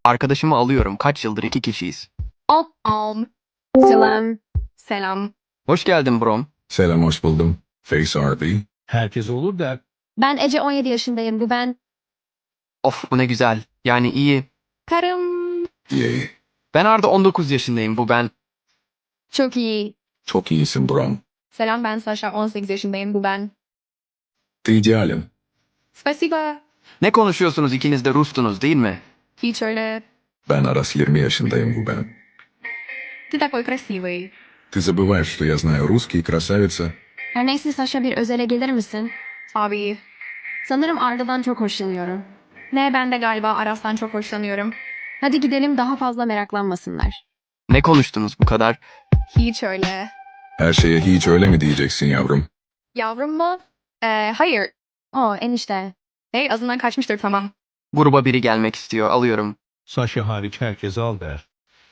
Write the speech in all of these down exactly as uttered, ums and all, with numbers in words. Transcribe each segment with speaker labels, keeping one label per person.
Speaker 1: Arkadaşımı alıyorum. Kaç yıldır iki kişiyiz.
Speaker 2: Om om.
Speaker 3: Selam.
Speaker 2: Selam.
Speaker 1: Hoş geldin Brom.
Speaker 4: Selam, hoş buldum. Face R B.
Speaker 5: Herkes olur da
Speaker 3: Ben Ece, on yedi yaşındayım. Bu ben.
Speaker 1: Of bu ne güzel. Yani iyi.
Speaker 2: Karım.
Speaker 4: Yay.
Speaker 1: Ben Arda, on dokuz yaşındayım. Bu ben.
Speaker 3: Çok iyi.
Speaker 4: Çok iyisin Brom.
Speaker 2: Selam, ben Sasha, on sekiz yaşındayım. Bu ben.
Speaker 4: İdealim.
Speaker 2: Spasiba.
Speaker 1: Ne konuşuyorsunuz, ikiniz de Rus'tunuz değil mi?
Speaker 2: Hiç öyle.
Speaker 4: Ben Aras, yirmi yaşındayım, bu ben.
Speaker 2: Ты такой красивый.
Speaker 4: Ты забываешь, что я знаю русский, красавица.
Speaker 3: Her neyse Sasha, bir özele gelir misin?
Speaker 2: Abi.
Speaker 3: Sanırım Arda'dan çok hoşlanıyorum.
Speaker 2: Ne, ben de galiba Aras'tan çok hoşlanıyorum.
Speaker 3: Hadi gidelim, daha fazla meraklanmasınlar.
Speaker 1: Ne konuştunuz bu kadar?
Speaker 2: Hiç öyle.
Speaker 4: Her şeye hiç öyle mi diyeceksin yavrum?
Speaker 2: Yavrum mu? Ee, hayır.
Speaker 3: Oo, enişte.
Speaker 2: Hey, azından kaçmıştır, tamam.
Speaker 1: Gruba biri gelmek istiyor. Alıyorum.
Speaker 5: Sasha hariç herkes al der.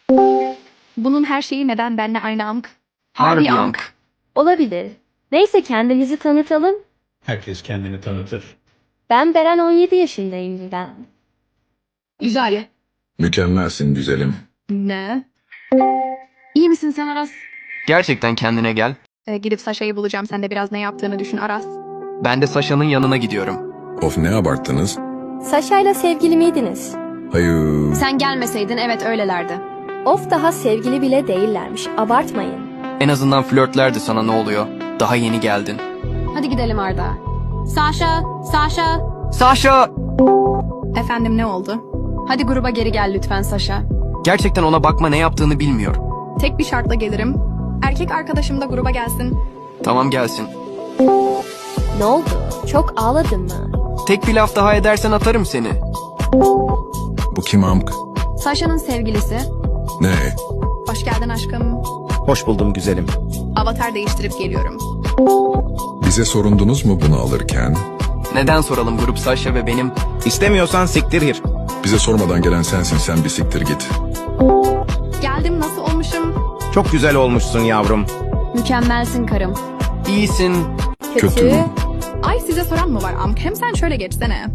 Speaker 2: Bunun her şeyi neden benle aynı amk?
Speaker 1: Harbi
Speaker 2: amk.
Speaker 1: Yank.
Speaker 6: Olabilir. Neyse, kendimizi tanıtalım.
Speaker 5: Herkes kendini tanıtır.
Speaker 6: Ben Beren, on yedi yaşındayım ben.
Speaker 2: Güzel.
Speaker 4: Mükemmelsin güzelim.
Speaker 2: Ne?
Speaker 3: İyi misin sen Aras?
Speaker 1: Gerçekten kendine gel.
Speaker 2: Ee, gidip Sasha'yı bulacağım. Sen de biraz ne yaptığını düşün Aras.
Speaker 1: Ben de Sasha'nın yanına gidiyorum.
Speaker 4: Of, ne abarttınız?
Speaker 6: Saşa'yla sevgili miydiniz?
Speaker 4: Hayır.
Speaker 3: Sen gelmeseydin evet öylelerdi.
Speaker 6: Of, daha sevgili bile değillermiş. Abartmayın.
Speaker 1: En azından flörtlerdi, sana ne oluyor? Daha yeni geldin.
Speaker 3: Hadi gidelim Arda. Sasha, Sasha.
Speaker 1: Sasha!
Speaker 2: Efendim, ne oldu?
Speaker 3: Hadi gruba geri gel lütfen Sasha.
Speaker 1: Gerçekten ona bakma, ne yaptığını bilmiyor.
Speaker 2: Tek bir şartla gelirim. Erkek arkadaşım da gruba gelsin.
Speaker 1: Tamam, gelsin.
Speaker 6: Ne oldu? Çok ağladın mı?
Speaker 1: Tek bir laf daha edersen atarım seni.
Speaker 4: Bu kim amk?
Speaker 3: Sasha'nın sevgilisi.
Speaker 4: Ne?
Speaker 2: Hoş geldin aşkım.
Speaker 7: Hoş buldum güzelim.
Speaker 2: Avatar değiştirip geliyorum.
Speaker 4: Bize sorundunuz mu bunu alırken?
Speaker 1: Neden soralım, grup Sasha ve benim.
Speaker 7: İstemiyorsan siktir gir.
Speaker 4: Bize sormadan gelen sensin, sen bir siktir git.
Speaker 2: Geldim, nasıl olmuşum?
Speaker 7: Çok güzel olmuşsun yavrum.
Speaker 3: Mükemmelsin karım.
Speaker 1: İyisin.
Speaker 4: Kötü.
Speaker 2: Ay, size soran mı var amk? Hem sen şöyle geçsene.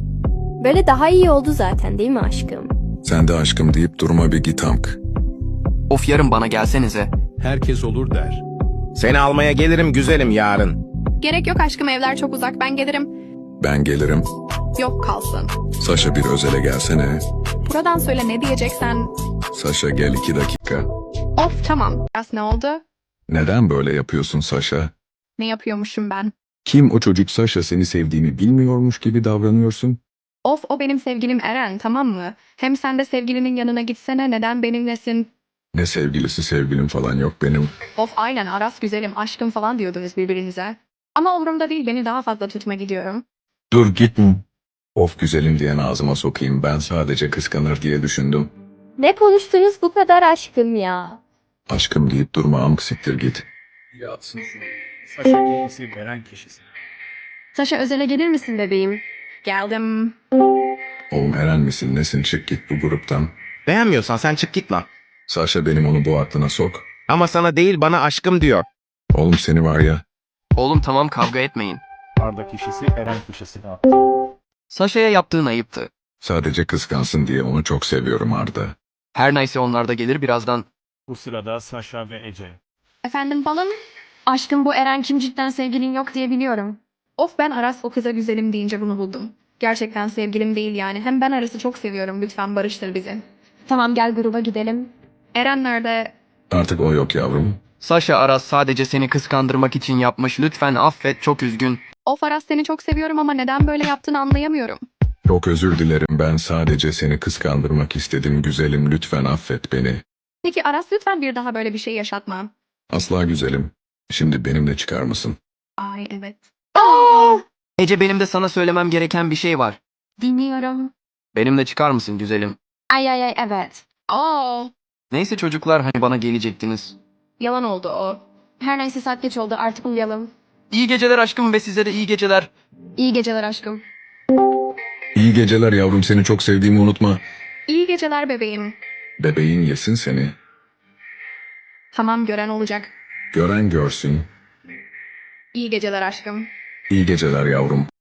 Speaker 6: Böyle daha iyi oldu zaten, değil mi aşkım?
Speaker 4: Sen de aşkım deyip durma, bir git amk.
Speaker 1: Of, yarın bana gelsenize.
Speaker 5: Herkes olur der.
Speaker 7: Seni almaya gelirim güzelim yarın.
Speaker 2: Gerek yok aşkım, evler çok uzak, ben gelirim.
Speaker 4: Ben gelirim.
Speaker 2: Yok, kalsın.
Speaker 4: Saşa, bir özele gelsene.
Speaker 2: Buradan söyle, ne diyeceksen.
Speaker 4: Saşa, gel iki dakika.
Speaker 2: Of, tamam. Biraz ne oldu?
Speaker 4: Neden böyle yapıyorsun Saşa?
Speaker 2: Ne yapıyormuşum ben?
Speaker 4: Kim o çocuk Saşa, seni sevdiğimi bilmiyormuş gibi davranıyorsun?
Speaker 2: Of, o benim sevgilim Eren, tamam mı? Hem sen de sevgilinin yanına gitsene, neden benimlesin?
Speaker 4: Ne sevgilisi, sevgilim falan yok benim.
Speaker 2: Of, aynen Aras güzelim, aşkım falan diyordunuz birbirinize. Ama umurumda değil, beni daha fazla tutma, gidiyorum.
Speaker 4: Dur, gitme. Of, güzelim diyen ağzıma sokayım, ben sadece kıskanır diye düşündüm.
Speaker 6: Ne konuştunuz bu kadar aşkım ya?
Speaker 4: Aşkım deyip durma amk, siktir git.
Speaker 5: Yatsın şunu. Sasha iyisi veren kişisi.
Speaker 3: Sasha, özele gelir misin bebeğim?
Speaker 2: Geldim.
Speaker 4: Oğlum, Eren misin nesin, çık git bu gruptan.
Speaker 7: Beğenmiyorsan sen çık git lan.
Speaker 4: Saşa, benim onu bu aklına sok.
Speaker 7: Ama sana değil bana aşkım diyor.
Speaker 4: Oğlum seni var ya.
Speaker 1: Oğlum tamam, kavga etmeyin.
Speaker 5: Arda kişisi Eren kişisine al.
Speaker 1: Sasha'ya yaptığın ayıptı.
Speaker 4: Sadece kıskansın diye onu çok seviyorum Arda.
Speaker 1: Her neyse, onlar da gelir birazdan.
Speaker 5: Bu sırada Sasha ve Ece.
Speaker 2: Efendim balım?
Speaker 3: Aşkım, bu Eren kim, cidden sevgilin yok diye biliyorum.
Speaker 2: Of, ben Aras o kıza güzelim deyince bunu buldum. Gerçekten sevgilim değil yani. Hem ben Aras'ı çok seviyorum. Lütfen barıştır bizi.
Speaker 3: Tamam, gel gruba gidelim.
Speaker 2: Eren nerede?
Speaker 4: Artık o yok yavrum.
Speaker 1: Sasha, Aras sadece seni kıskandırmak için yapmış. Lütfen affet, çok üzgün.
Speaker 2: Of Aras, seni çok seviyorum ama neden böyle yaptığını anlayamıyorum.
Speaker 4: Çok özür dilerim, ben sadece seni kıskandırmak istedim güzelim, lütfen affet beni.
Speaker 2: Peki Aras, lütfen bir daha böyle bir şey yaşatma.
Speaker 4: Asla güzelim. Şimdi benimle çıkar mısın?
Speaker 2: Ay evet.
Speaker 1: Ece, benim de sana söylemem gereken bir şey var.
Speaker 3: Dinliyorum.
Speaker 1: Benimle çıkar mısın güzelim?
Speaker 3: Ay ay ay evet.
Speaker 2: Aa,
Speaker 1: Neyse çocuklar, hani bana gelecektiniz.
Speaker 2: yalan oldu o.
Speaker 3: Her neyse, saat geç oldu, artık uyuyalım.
Speaker 1: İyi geceler aşkım ve size de iyi geceler.
Speaker 3: İyi geceler aşkım.
Speaker 4: İyi geceler yavrum, seni çok sevdiğimi unutma.
Speaker 2: İyi geceler bebeğim.
Speaker 4: Bebeğin yesin seni.
Speaker 2: Tamam, gören olacak.
Speaker 4: Gören görsün.
Speaker 2: İyi geceler aşkım.
Speaker 4: İyi geceler yavrum.